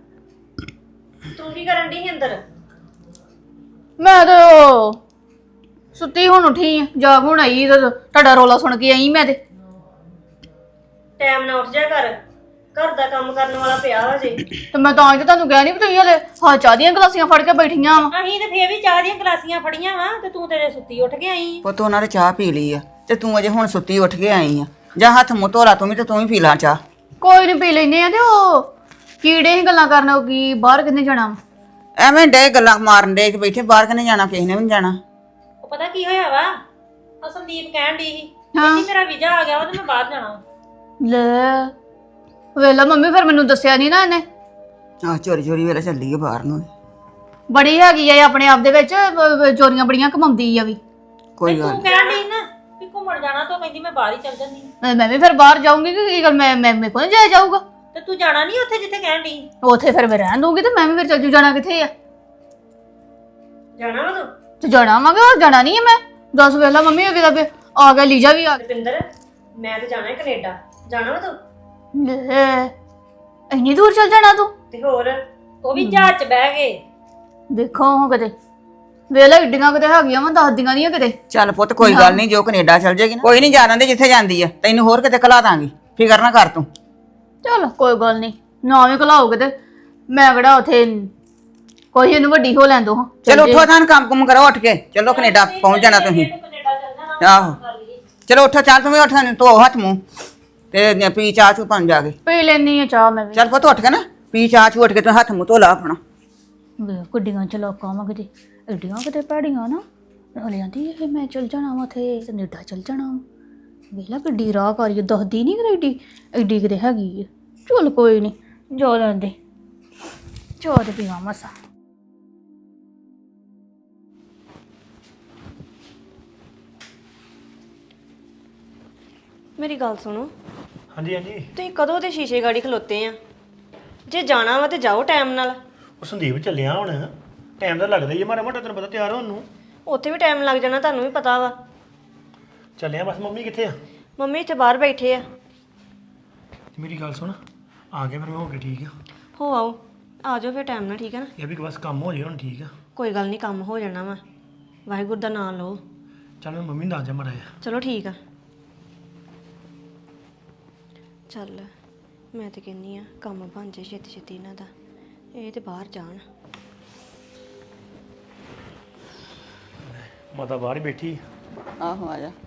ਤੂੰ ਕੀ ਕਰਨ ਡਈ ਸੀ ਅੰਦਰ?
ਮੈਂ ਤਾਂ ਸੁੱਤੀ ਹੁਣ ਉੱਠੀ ਆ, ਜਾਗ ਹੁਣ ਆਈ ਤੇ ਤੁਹਾਡਾ ਰੋਲਾ ਸੁਣ ਕੇ ਆਈ ਮੈਂ ਤੇ।
ਟਾਈਮ ਨਾਲ ਉੱਠ ਜਾ ਕਰ, ਘਰ ਦਾ ਕੰਮ ਕਰਨ ਵਾਲਾ ਪਿਆ ਵਾ ਜੇ।
ਤੇ ਮੈਂ ਤਾਂ ਅੱਜ ਤੁਹਾਨੂੰ ਕਹਿ ਨਹੀਂ ਵੀ ਤੁਸੀਂ ਹਲੇ ਹਾਂ ਚਾਹ ਦੀਆਂ ਗਲਾਸੀਆਂ ਫੜ ਕੇ ਬੈਠੀਆਂ ਵਾ।
ਅਸੀਂ ਤੇ ਫੇਰ ਵੀ ਚਾਹ ਦੀਆਂ ਗਲਾਸੀਆਂ ਫੜੀਆਂ ਵਾ ਤੇ ਤੂੰ ਤੇਰੇ ਸੁੱਤੀ ਉੱਠ ਕੇ ਆਈ ਆਂ।
ਪੁੱਤ ਉਹਨਾਂ ਨੇ ਚਾਹ ਪੀ ਲਈ ਆ ਤੇ ਤੂੰ ਅਜੇ ਹੁਣ ਸੁੱਤੀ ਉੱਠ ਕੇ ਆਈ ਆ। ਜਾਂ ਹੱਥ ਮੂੰਹ ਧੋ ਲਾ ਤੂੰ ਵੀ ਤੇ ਤੂੰ ਵੀ ਪੀ ਲਾ ਚਾਹ।
ਕੋਈ ਨਹੀਂ ਪੀ ਲੈਨੇ ਆ। ਤੇ ਉਹ ਕੀੜੇ ਹੀ ਗੱਲਾਂ ਕਰਨ, ਉਹ ਕੀ ਬਾਹਰ ਕਿੰਨੇ ਜਾਣਾ ਵਾ?
ਐਵੇਂ ਡੇ ਗੱਲਾਂ ਮਾਰਨ ਡੇ ਬੈਠੇ, ਬਾਹਰ ਕਿਨੇ ਜਾਣਾ, ਕਿਸੇ ਨੇ ਵੀ ਨਹੀਂ ਜਾਣਾ।
ਉਹ ਪਤਾ ਕੀ ਹੋਇਆ ਵਾ, ਉਹ ਸੰਦੀਪ ਕਹਿਣ ਡਈ ਸੀ ਕਹਿੰਦੀ ਮੇਰਾ ਵੀਜ਼ਾ ਆ ਗਿਆ ਵਾ ਤੇ ਮੈਂ ਬਾਹਰ ਜਾਣਾ।
ਲੈ ਵੇਲਾ ਮੰਮੀ, ਫਿਰ ਮੈਨੂੰ ਦੱਸਿਆ ਨਹੀਂ ਨਾ ਇਹਨੇ।
ਆਹ ਚੋਰੀ ਚੋਰੀ ਵੇਲੇ ਚੱਲੀ ਆ ਬਾਹਰ ਨੂੰ।
ਬੜੀ ਹੈਗੀ ਆ ਇਹ ਆਪਣੇ ਆਪ ਦੇ ਵਿੱਚ, ਚੋਰੀਆਂ ਬੜੀਆਂ ਕਮਾਉਂਦੀ ਆ ਵੀ।
ਕੋਈ ਗੱਲ
ਤੂੰ ਕਹਿਣ ਡਈ ਨਾ ਵੀ ਘੁੰਮਣ ਜਾਣਾ ਤਾਂ ਕਹਿੰਦੀ ਮੈਂ ਬਾਹਰ ਹੀ ਚੱਲ ਜਾਂਦੀ ਆਂ।
ਮੈਂ ਵੀ ਫਿਰ ਬਾਹਰ ਜਾਊਂਗੀ ਕਿ ਕੀ ਗੱਲ, ਮੈਂ ਮੇਰੇ ਕੋਲ ਨਹੀਂ ਜਾਇਆ ਜਾਊਗਾ।
ਤੇ ਤੂੰ ਜਾਣਾ ਨਹੀਂ ਉੱਥੇ ਜਿੱਥੇ ਕਹਿਣ ਡਈ?
ਉੱਥੇ ਫਿਰ ਮੈਂ ਰਹਿਣ ਦੂੰਗੀ ਤੇ ਮੈਂ ਵੀ ਫਿਰ ਚੱਲ ਜੂ। ਜਾਣਾ ਕਿੱਥੇ ਆ?
ਜਾਣਾ ਵਾ ਤੂੰ?
ਤੇ ਜਾਣਾ ਵਾਂਗੇ, ਹੋਰ ਜਾਣਾ ਨਹੀਂ ਹੈ ਮੈਂ। ਦੱਸ ਵੇਲਾ ਮੰਮੀ ਅਗੇ ਦਾ ਆ ਗਿਆ, ਲੀਜਾ ਵੀ ਆ ਗਿਆ।
ਰੁਪਿੰਦਰ ਮੈਂ ਤੇ ਜਾਣਾ ਹੈ ਕੈਨੇਡਾ, ਜਾਣਾ ਵਾ ਤੂੰ?
ਲੈ ਇੰਨੀ ਦੂਰ ਚੱਲ ਜਾਣਾ ਤੂੰ?
ਤੇ ਹੋਰ
ਉਹ ਵੀ ਜਹਾਜ਼ 'ਚ ਬਹਿ ਗਏ।
ਦੇਖੋ ਹਾਂ ਕਿਤੇ ਵੇਲਾ ਏਡੀਆਂ ਕਿਤੇ ਹੈਗੀਆਂ ਵਾ, ਦੱਸਦੀਆਂ ਨਹੀਂ ਕਿਤੇ।
ਚੱਲ ਪੁੱਤ ਕੋਈ ਗੱਲ ਨਹੀਂ, ਜੋ ਕੈਨੇਡਾ ਚੱਲ ਜਾਏਗੀ ਨਾ, ਕੋਈ ਨਹੀਂ ਜਾਣ ਦੇ ਜਿੱਥੇ ਜਾਂਦੀ ਆ, ਤੈਨੂੰ ਹੋਰ ਕਿਤੇ ਘਲਾ ਦਾਂਗੀ, ਫਿਕਰ ਨਾ ਕਰ ਤੂੰ।
ਚਲ ਕੋਈ ਗੱਲ ਨਹੀਂ, ਨਾ ਵੀ ਘਲਾਓਗੇ ਤੇ ਮੈਂ ਕਿਹੜਾ ਉੱਥੇ ਕੋਈ ਇਹਨੂੰ ਵੱਡੀ ਹੋ ਲੈਣ ਦੋ। ਹਾਂ
ਚਲੋ ਉੱਠੋ ਤਾਂ ਕੰਮ ਕੁਮ ਕਰੋ, ਉੱਠ ਕੇ ਚਲੋ ਕੈਨੇਡਾ ਪਹੁੰਚ ਜਾਣਾ ਤੁਸੀਂ।
ਕੈਨੇਡਾ ਚੱਲ ਜਾਣਾ।
ਆਹੋ ਚਲੋ ਉੱਠੋ, ਚੱਲ ਤੂੰ ਵੀ ਉੱਠ, ਧੋ ਹੱਥ ਮੂੰਹ ਤੇ ਪੀ ਚਾਹ ਚੂ ਪਣ ਜਾ ਕੇ।
ਪੀ ਲੈਣੀ ਆ ਚਾਹ ਮੈਂ ਵੀ।
ਚੱਲ ਪੁੱਤ ਉੱਠ ਕੇ ਨਾ ਪੀ ਚਾਹ ਚੂ, ਉੱਠ ਕੇ ਤੂੰ ਹੱਥ ਮੂੰਹ ਧੋ ਲਾ ਆਪਣਾ।
ਗੱਡੀਆਂ ਚਲਾਕਾਂ ਵਾ ਕਿਤੇ, ਐਡੀਆਂ ਕਿਤੇ ਭੈੜੀਆਂ ਨਾ। ਹਲੇ ਆਂਦੀ ਇਹ ਮੈਂ ਚੱਲ ਜਾਣਾ ਵਾ ਉੱਥੇ ਕੈਨੇਡਾ ਚੱਲ ਜਾਣਾ ਵਾ। ਵੇਲਾ ਗੱਡੀ ਰਾਹ ਕਰੀ ਦੱਸਦੀ ਨਹੀਂ ਕਿ ਐਡੀ ਐਡੀ ਕਿਤੇ ਹੈਗੀ ਆ। ਚਲ ਕੋਈ ਨਹੀਂ, ਜਾ ਲੈਂਦੇ ਚਾਹ ਤੇ ਪੀਵਾਂ ਮਸਾ।
ਮੇਰੀ ਗੱਲ ਸੁਣੋ,
ਹਾਂਜੀ ਹਾਂਜੀ।
ਤੁਸੀਂ ਕਦੋਂ ਦੇ ਸ਼ੀਸ਼ੇ ਗਾੜੀ ਖਲੋਤੇ ਆ? ਜੇ ਜਾਣਾ ਵਾ ਤੇ ਜਾਓ ਟਾਈਮ ਨਾਲ।
ਉਹ ਸੰਦੀਪ ਚੱਲਿਆ ਹੁਣ, ਟਾਈਮ ਤਾਂ ਲੱਗਦਾ ਹੀ ਹੈ ਮਾੜਾ ਮੋਟਾ, ਤੈਨੂੰ ਪਤਾ ਤਿਆਰ ਹੋਣ ਨੂੰ।
ਉੱਥੇ ਵੀ ਟਾਈਮ ਲੱਗ ਜਾਣਾ, ਤੁਹਾਨੂੰ ਵੀ ਪਤਾ ਵਾ।
ਚੱਲਿਆ ਬਸ। ਮੰਮੀ ਕਿੱਥੇ ਆ?
ਮੰਮੀ ਇੱਥੇ ਬਾਹਰ ਬੈਠੇ ਆ।
ਮੇਰੀ ਗੱਲ ਸੁਣ, ਆ ਗਿਆ ਫਿਰ ਮੈਂ ਹੋ ਕੇ, ਠੀਕ ਆ?
ਹੋ ਆਓ, ਆ ਜਾਓ ਫਿਰ ਟਾਈਮ ਨਾਲ, ਠੀਕ ਹੈ ਨਾ?
ਇਹ ਵੀ ਬਸ ਕੰਮ ਹੋ ਜਾਏ ਹੁਣ, ਠੀਕ ਆ?
ਕੋਈ ਗੱਲ ਨਹੀਂ, ਕੰਮ ਹੋ ਜਾਣਾ ਵਾ, ਵਾਹਿਗੁਰੂ ਦਾ ਨਾਮ ਲਓ।
ਚੱਲ ਮੈਂ ਮੰਮੀ ਨੂੰ ਦੱਸ ਜਾ ਮਾੜਾ ਜਿਹਾ।
ਚਲੋ ਠੀਕ ਆ। ਚੱਲ ਮੈਂ ਤੇ ਕਹਿੰਨੀ ਆ ਕੰਮ ਬਣ ਜੇ ਛੇਤੀ ਛੇਤੀ ਇਹਨਾਂ ਦਾ, ਇਹ ਤੇ ਬਾਹਰ ਜਾਣ।
ਮਾਤਾ ਬਾਹਰ ਹੀ ਬੈਠੀ।
ਆਹੋ ਆ ਜਾ।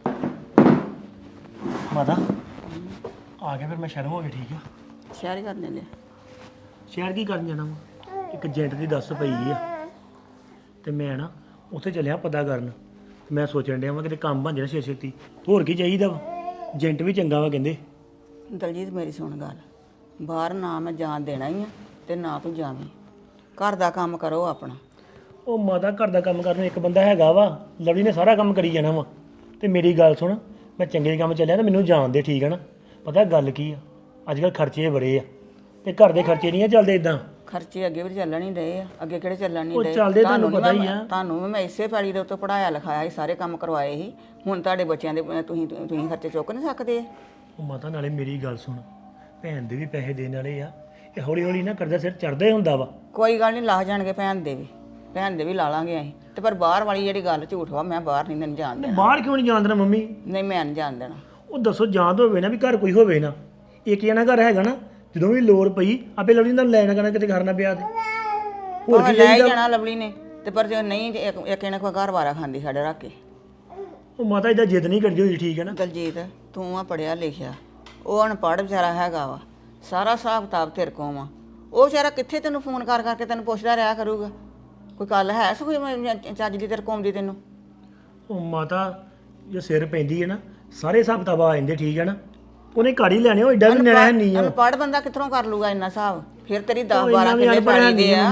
ਮਾਤਾ ਆ ਗਿਆ ਫਿਰ ਮੈਂ ਸ਼ਹਿਰ ਹੋ ਗਿਆ, ਠੀਕ ਆ?
ਸ਼ਹਿਰ ਹੀ ਕਰ ਲੈਂਦੇ।
ਸ਼ਹਿਰ ਕੀ ਕਰਨ ਜਾਣਾ ਵਾ? ਇੱਕ ਏਜੰਟ ਦੀ ਦੱਸ ਪਈ ਆ ਤੇ ਮੈਂ ਨਾ ਉੱਥੇ ਚੱਲਿਆ ਪਤਾ ਕਰਨ ਮੈਂ ਸੋਚਣ ਡਿਆ ਵਾਂ ਕਿਤੇ ਕੰਮ ਬਣ ਜਾਣਾ ਛੇ ਛੇਤੀ ਹੋਰ ਕੀ ਚਾਹੀਦਾ ਵਾ ਏਜੰਟ ਵੀ ਚੰਗਾ ਵਾ ਕਹਿੰਦੇ।
ਦਲਜੀਤ ਮੇਰੀ ਸੁਣ ਗੱਲ, ਬਾਹਰ ਨਾ ਮੈਂ ਜਾਣ ਦੇਣਾ ਹੀ ਆ ਤੇ ਨਾ ਤੂੰ ਜਾਵੀਂ। ਘਰ ਦਾ ਕੰਮ ਕਰੋ ਆਪਣਾ।
ਉਹ ਮਾਤਾ ਘਰ ਦਾ ਕੰਮ ਕਰਨ ਨੂੰ ਇੱਕ ਬੰਦਾ ਹੈਗਾ ਵਾ, ਲਵਲੀ ਨੇ ਸਾਰਾ ਕੰਮ ਕਰੀ ਜਾਣਾ ਵਾ। ਤੇ ਮੇਰੀ ਗੱਲ ਸੁਣ, ਮੈਂ ਚੰਗੇ ਕੰਮ ਚੱਲਿਆ ਤਾਂ ਮੈਨੂੰ ਜਾਣ ਦੇ, ਠੀਕ ਹੈ ਨਾ। ਪਤਾ ਗੱਲ ਕੀ ਆ, ਅੱਜ ਕੱਲ੍ਹ ਖਰਚੇ ਬੜੇ ਆ ਤੇ ਘਰ ਦੇ ਖਰਚੇ ਨਹੀਂ ਆ ਚੱਲਦੇ ਇਦਾਂ।
ਖਰਚੇ ਅੱਗੇ ਵੀ ਚੱਲਣ ਹੀ ਡਏ ਆ, ਅੱਗੇ ਕਿਹੜੇ ਚੱਲਣ ਨਹੀਂ
ਉਹ
ਡਏ।
ਚੱਲਦੇ ਤੁਹਾਨੂੰ ਪਤਾ ਹੀ ਆ।
ਤੁਹਾਨੂੰ ਵੀ ਮੈਂ ਇਸੇ ਪੈਲੀ ਦੇ ਉੱਤੇ ਪੜਾਇਆ ਲਿਖਾਇਆ ਸੀ, ਸਾਰੇ ਕੰਮ ਕਰਵਾਏ ਸੀ। ਹੁਣ ਤੁਹਾਡੇ ਬੱਚਿਆਂ ਦੇ ਤੁਸੀਂ ਖਰਚੇ ਚੁੱਕ ਨਹੀਂ ਸਕਦੇ।
ਉਹ ਮਾਤਾ ਨਾਲੇ ਮੇਰੀ ਗੱਲ ਸੁਣ, ਭੈਣ ਦੇ ਵੀ ਪੈਸੇ ਦੇਣ ਵਾਲੇ ਆ, ਇਹ ਹੌਲੀ ਹੌਲੀ ਨਾ ਕਰਜ਼ਾ ਸਿਰ ਚੜਦਾ ਹੀ ਹੁੰਦਾ ਵਾ।
ਕੋਈ ਗੱਲ ਨਹੀਂ, ਲਾਹ ਜਾਣਗੇ ਭੈਣ ਦੇ ਵੀ ਲਾ ਲਾਂਗੇ ਅਸੀਂ ਤੇ। ਪਰ ਬਾਹਰ ਵਾਲੀ ਜਿਹੜੀ ਗੱਲ ਝੂਠ ਵਾ, ਮੈਂ ਬਾਹਰ ਨਹੀਂ ਤੈਨੂੰ ਜਾਣ ਦੇਣਾ।
ਬਾਹਰ ਕਿਉਂ ਨਹੀਂ ਜਾਣ ਦੇਣਾ ਮੰਮੀ?
ਨਹੀਂ ਮੈਂ ਨਹੀਂ ਜਾਣ ਦੇਣਾ।
ਉਹ ਦੱਸੋ ਜਾਣ ਹੋਵੇ ਨਾ ਵੀ ਘਰ ਕੋਈ ਹੋਵੇ ਨਾ, ਇੱਕ ਜਣਾ ਘਰ ਹੈਗਾ ਨਾ, ਜਦੋਂ ਵੀ ਲੋੜ ਪਈ ਆਪੇ ਲਵਲੀ ਨਾਲ ਲੈਣਾ ਕਰਨਾ ਕਿਤੇ ਕਰਨਾ ਪਿਆ ਤੇ ਹੋਰ ਕੀ
ਲੈ ਹੀ ਜਾਣਾ ਲਵਲੀ ਨੇ ਤੇ। ਪਰ ਜੇ ਨਹੀਂ ਇੱਕ ਇਹਨਾਂ ਕੋਈ ਘਰ ਵਾਰਾ ਖਾਂਦੀ ਸਾਡੇ ਰੱਖ ਕੇ।
ਉਹ ਮਾਤਾ ਇਹਦਾ ਜਿੱਦ ਨਹੀਂ ਕਰਦੀ ਹੋਈ, ਠੀਕ ਹੈ ਨਾ।
ਦਲਜੀਤ ਤੂੰ ਆ ਪੜਿਆ ਲਿਖਿਆ, ਉਹ ਅਨਪੜ੍ਹ ਵਿਚਾਰਾ ਹੈਗਾ ਵਾ, ਸਾਰਾ ਹਿਸਾਬ ਕਿਤਾਬ ਤੇਰੇ ਕੋਲ ਵਾ। ਉਹ ਵਿਚਾਰਾ ਕਿੱਥੇ ਤੈਨੂੰ ਫੋਨ ਕਰ ਕਰਕੇ ਤੈਨੂੰ ਪੁੱਛਦਾ ਰਿਹਾ ਕਰੂਗਾ। ਕੋਈ ਗੱਲ ਹੈ ਸੋ ਕੋਈ ਚੱਜ ਦੀ ਤੇਰੇ ਕੋਲ ਦੀ ਤੈਨੂੰ?
ਉਹ ਮਾਤਾ ਜੇ ਸਿਰ ਪੈਂਦੀ ਹੈ ਨਾ ਸਾਰੇ ਹਿਸਾਬ ਕਿਤਾਬ ਆ ਜਾਂਦੇ, ਠੀਕ ਹੈ ਨਾ। ਉਹਨੇ ਘਰ ਹੀ ਲੈਣੇ, ਉਹ ਏਡਾ ਵੀ ਨਿਆਣਾ ਨਹੀਂ ਆ।
ਅਨਪੜ੍ਹ ਬੰਦਾ ਕਿੱਥੋਂ ਕਰ ਲੂਗਾ ਇੰਨਾ ਹਿਸਾਬ? ਫਿਰ ਤੇਰੀ 10-12 ਕਿੱਲੇ ਪਾਣੀ ਦੇ ਆ।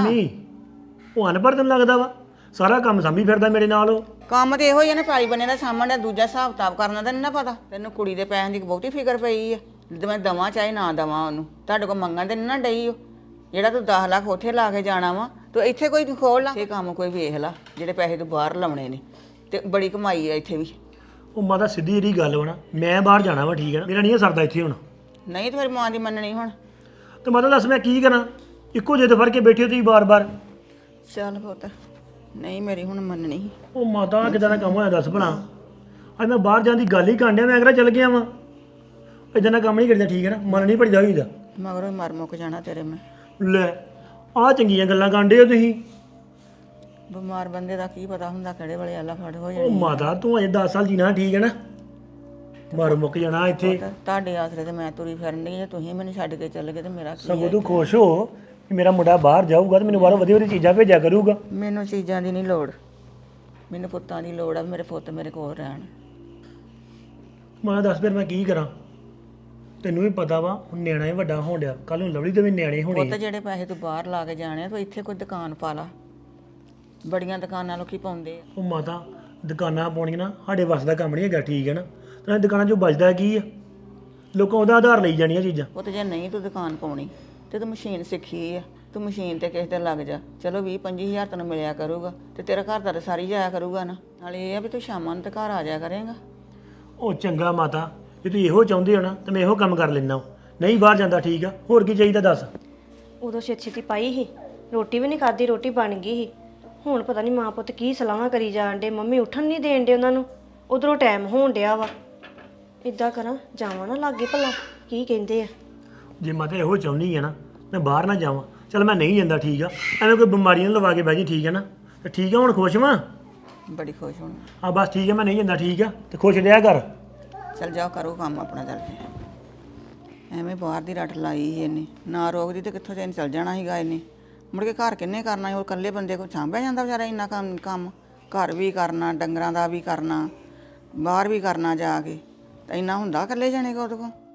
ਉਹ ਅਨਪੜ੍ਹ ਤੈਨੂੰ ਲੱਗਦਾ ਵਾ, ਸਾਰਾ ਕੰਮ ਸਾਂਭੀ ਫਿਰਦਾ ਮੇਰੇ ਨਾਲ ਉਹ।
ਕੰਮ ਤੇ ਇਹੋ ਹੀ ਆ ਨਾ, ਪੈਲੀ ਬੰਨੇ ਦਾ ਸਾਹਮਣੇ ਦੂਜਾ ਹਿਸਾਬ ਕਿਤਾਬ ਕਰਨਾ ਤਾਂ ਨਹੀਂ ਨਾ ਪਤਾ ਤੈਨੂੰ। ਕੁੜੀ ਦੇ ਪੈਸਿਆਂ ਦੀ ਬਹੁਤੀ ਫਿਕਰ ਪਈ ਆ, ਜਦੋਂ ਮੈਂ ਦਵਾਂ ਚਾਹੇ ਨਾ ਦਵਾਂ ਉਹਨੂੰ। ਤੁਹਾਡੇ ਕੋਲ ਮੰਗਣ ਤੇ ਨਹੀਂ ਨਾ ਡਈ ਉਹ। ਜਿਹੜਾ ਤੂੰ 10 ਲੱਖ ਉੱਥੇ ਲਾ ਕੇ ਜਾਣਾ ਵਾ, ਤੂੰ ਇੱਥੇ ਕੋਈ ਖੋਲ ਲਾ। ਇਹ ਕੰਮ ਕੋਈ ਵੇਖ ਲਾ, ਜਿਹੜੇ ਪੈਸੇ ਤੂੰ ਬਾਹਰ ਲਾਉਣੇ ਨੇ ਤੇ ਬੜੀ ਕਮਾਈ ਆ ਇੱਥੇ ਵੀ।
ਉਹ ਮਾਤਾ ਸਿੱਧੀ ਜਿਹੜੀ ਗੱਲ ਵਾ ਨਾ, ਮੈਂ ਬਾਹਰ ਜਾਣਾ ਵਾ, ਠੀਕ ਹੈ ਨਾ। ਮੇਰਾ ਨਹੀਂ ਸਰਦਾ ਇੱਥੇ ਹੁਣ।
ਨਹੀਂ ਤੇ ਫਿਰ ਮਾਂ ਦੀ ਮੰਨਣੀ ਹੁਣ।
ਤੇ ਮਾਤਾ ਦੱਸ ਮੈਂ ਕੀ ਕਰਾਂ, ਇੱਕੋ ਜਿੱਦ ਫੜ ਕੇ ਬੈਠੇ ਹੋ ਤੁਸੀਂ ਬਾਰ-ਬਾਰ।
ਚੱਲ ਪੁੱਤ, ਨਹੀਂ ਮੇਰੀ ਹੁਣ ਮੰਨਣੀ।
ਉਹ ਮਾਤਾ ਕਿਦਾਂ ਦਾ ਕੰਮ ਹੋਇਆ ਦੱਸ ਭਲਾ। ਅੱਜ ਮੈਂ ਬਾਹਰ ਜਾਣ ਦੀ ਗੱਲ ਹੀ ਕਾਂਡਿਆ, ਮੈਂ ਅਗਰ ਚੱਲ ਗਿਆ ਵਾਂ। ਇਦਾਂ ਦਾ ਕੰਮ ਨਹੀਂ ਕਰਦਾ, ਠੀਕ ਹੈ ਨਾ। ਮਨ ਨਹੀਂ ਭਜਦਾ ਹੋਈਦਾ।
ਮਗਰੋਂ ਮਰ ਮੁੱਕ ਜਾਣਾ ਤੇਰੇ ਮੈਂ।
ਲੈ ਆਹ ਚੰਗੀਆਂ ਗੱਲਾਂ ਕਾਂਡੇ ਹੋ ਤੁਸੀਂ।
ਬਿਮਾਰ ਬੰਦੇ ਦਾ ਕੀ ਪਤਾ ਹੁੰਦਾ ਕਿਹੜੇ ਵੇਲੇ ਆਲਾ ਫੜ ਹੋ
ਉਹ
ਜਾਣੀ।
ਮਾਤਾ ਤੂੰ ਅਜੇ 10 ਸਾਲ ਜੀਣਾ, ਠੀਕ ਹੈ ਨਾ। ਮਰ ਮੁੱਕ ਜਾਣਾ ਇੱਥੇ।
ਤੁਹਾਡੇ ਆਸਰੇ ਤੇ ਮੈਂ ਤੁਰੀ ਫਿਰਨ ਡਈ, ਜੇ ਤੁਸੀਂ ਮੈਨੂੰ ਛੱਡ ਕੇ ਚੱਲ ਗਏ ਤੇ ਮੇਰਾ ਕੀ?
ਸਗੋਂ ਤੂੰ ਖੁਸ਼ ਹੋ ਕਿ ਮੇਰਾ ਮੁੰਡਾ ਬਾਹਰ ਜਾਊਗਾ ਤੇ ਮੈਨੂੰ ਬਾਹਰੋਂ ਵਧੀਆ ਵਧੀਆ ਚੀਜ਼ਾਂ ਭੇਜਿਆ ਕਰੂਗਾ।
ਮੈਨੂੰ ਚੀਜ਼ਾਂ ਦੀ ਨਹੀਂ ਲੋੜ, ਮੈਨੂੰ ਪੁੱਤਾਂ ਦੀ ਲੋੜ ਆ। ਮੇਰੇ ਪੁੱਤ ਮੇਰੇ ਕੋਲ ਰਹਿਣ।
ਮੈਂ ਦੱਸ ਫਿਰ ਮੈਂ ਕੀ ਕਰਾਂ। ਤੈਨੂੰ ਵੀ ਪਤਾ ਵਾ ਹੁਣ ਨਿਆਣਾ ਹੀ ਵੱਡਾ ਹੋਣ ਡਿਆ, ਕੱਲ ਨੂੰ ਲਵਲੀ ਦੇ ਵੀ ਨਿਆਣੇ ਹੋਣੇ
ਪੁੱਤ ਜਿਹੜੇ ਪੈਸੇ ਤੂੰ ਬਾਹਰ ਲਾ ਕੇ ਜਾਣੇ ਆ, ਤੂੰ ਇੱਥੇ ਕੋਈ ਦੁਕਾਨ ਪਾ ਲਾ। ਬੜੀਆਂ ਦੁਕਾਨਾਂ ਲੋਕੀ ਪਾਉਂਦੇ ਆ।
ਉਹ ਮਾਤਾ ਦੁਕਾਨਾਂ ਪਾਉਣੀਆਂ ਨਾ ਸਾਡੇ ਵੱਸ ਦਾ ਕੰਮ ਨਹੀਂ ਹੈਗਾ, ਠੀਕ ਹੈ ਨਾ। ਤੇ ਦੁਕਾਨਾਂ 'ਚੋਂ ਬਚਦਾ ਕੀ ਆ, ਲੋਕਾਂ ਉਹਦਾ ਆਧਾਰ ਲਈ ਜਾਣੀਆਂ ਚੀਜ਼ਾਂ।
ਪੁੱਤ ਜੇ ਨਹੀਂ ਤੂੰ ਦੁਕਾਨ ਪਾਉਣੀ ਤੇ ਤੂੰ ਮਸ਼ੀਨ ਸਿੱਖੀ ਆ, ਤੂੰ ਮਸ਼ੀਨ ਤੇ ਕਿਸੇ ਤੇ ਲੱਗ ਜਾ। ਚਲੋ 20-25 ਹਜ਼ਾਰ ਤੈਨੂੰ ਮਿਲਿਆ ਕਰੂਗਾ ਤੇ ਤੇਰਾ ਘਰ ਦਾ ਤਾਂ ਸਾਰੀ ਜਾਇਆ ਕਰੂਗਾ ਨਾ। ਨਾਲੇ ਇਹ ਆ ਵੀ ਤੂੰ ਸ਼ਾਮਾਂ ਨੂੰ ਤੇ ਘਰ ਆ ਜਾਇਆ ਕਰੇਗਾ।
ਉਹ ਚੰਗਾ ਮਾਤਾ, ਜੇ ਤੂੰ ਇਹੋ ਚਾਹੁੰਦੇ ਹੋ ਨਾ ਤਾਂ ਮੈਂ ਇਹੋ ਕੰਮ ਕਰ ਲੈਣਾ। ਨਹੀਂ ਬਾਹਰ ਜਾਂਦਾ, ਠੀਕ ਆ। ਹੋਰ ਕੀ ਚਾਹੀਦਾ ਦੱਸ।
ਉਦੋਂ ਛੇਤੀ ਪਾਈ ਸੀ, ਰੋਟੀ ਵੀ ਨਹੀਂ ਖਾਧੀ, ਰੋਟੀ ਬਣ ਗਈ ਸੀ। ਹੁਣ ਪਤਾ ਨਹੀਂ ਮਾਂ ਪੁੱਤ ਕੀ ਸਲਾਹਾਂ ਕਰੀ ਜਾਣ ਡੇ। ਮੰਮੀ ਉੱਠਣ ਨਹੀਂ ਦੇਣ ਡੇ ਉਹਨਾਂ ਨੂੰ, ਉਧਰੋਂ ਟਾਈਮ ਹੋਣ ਡਿਆ ਵਾ। ਇੱਦਾਂ ਕਰਾਂ ਜਾਵਾਂ ਨਾ ਲਾਗੇ ਭਲਾ ਕੀ ਕਹਿੰਦੇ ਆ।
ਜੇ ਮਾਤਾ ਇਹੋ ਚਾਹੁੰਦੀ ਆ ਨਾ ਮੈਂ ਬਾਹਰ ਨਾ ਜਾਵਾਂ, ਚਲ ਮੈਂ ਨਹੀਂ ਜਾਂਦਾ, ਠੀਕ ਆ। ਐਵੇਂ ਕੋਈ ਬਿਮਾਰੀ ਨਾ ਲਵਾ ਕੇ ਬਹਿ ਜੀ, ਠੀਕ ਹੈ ਨਾ। ਤੇ ਠੀਕ ਆ, ਹੁਣ ਖੁਸ਼ ਵਾਂ।
ਬੜੀ ਖੁਸ਼ ਹੋਣਾ।
ਆ ਬਸ ਠੀਕ ਆ, ਮੈਂ ਨਹੀਂ ਜਾਂਦਾ, ਠੀਕ ਆ। ਤੇ ਖੁਸ਼ ਰਿਹਾ ਕਰ।
ਚੱਲ ਜਾਓ ਕਰੋ ਕੰਮ ਆਪਣਾ ਚੱਲ ਕੇ। ਐਵੇਂ ਬਾਹਰ ਦੀ ਰੱਟ ਲਾਈ ਸੀ ਇਹਨੇ, ਨਾ ਰੋਕਦੀ ਤੇ ਕਿੱਥੋਂ ਚੈਨ ਚੱਲ ਜਾਣਾ ਸੀਗਾ ਇਹਨੇ। ਮੁੜ ਕੇ ਘਰ ਕਿੰਨੇ ਕਰਨਾ ਸੀ? ਉਹ ਇਕੱਲੇ ਬੰਦੇ ਕੋਲ ਸਾਂਭਿਆ ਜਾਂਦਾ ਵਿਚਾਰਾ ਇੰਨਾ ਕੰਮ ਘਰ ਵੀ ਕਰਨਾ, ਡੰਗਰਾਂ ਦਾ ਵੀ ਕਰਨਾ, ਬਾਹਰ ਵੀ ਕਰਨਾ ਜਾ ਕੇ। ਤਾਂ ਇੰਨਾ ਹੁੰਦਾ ਇਕੱਲੇ ਜਾਣੇ ਕੋ ਉਹਦੇ ਕੋਲ?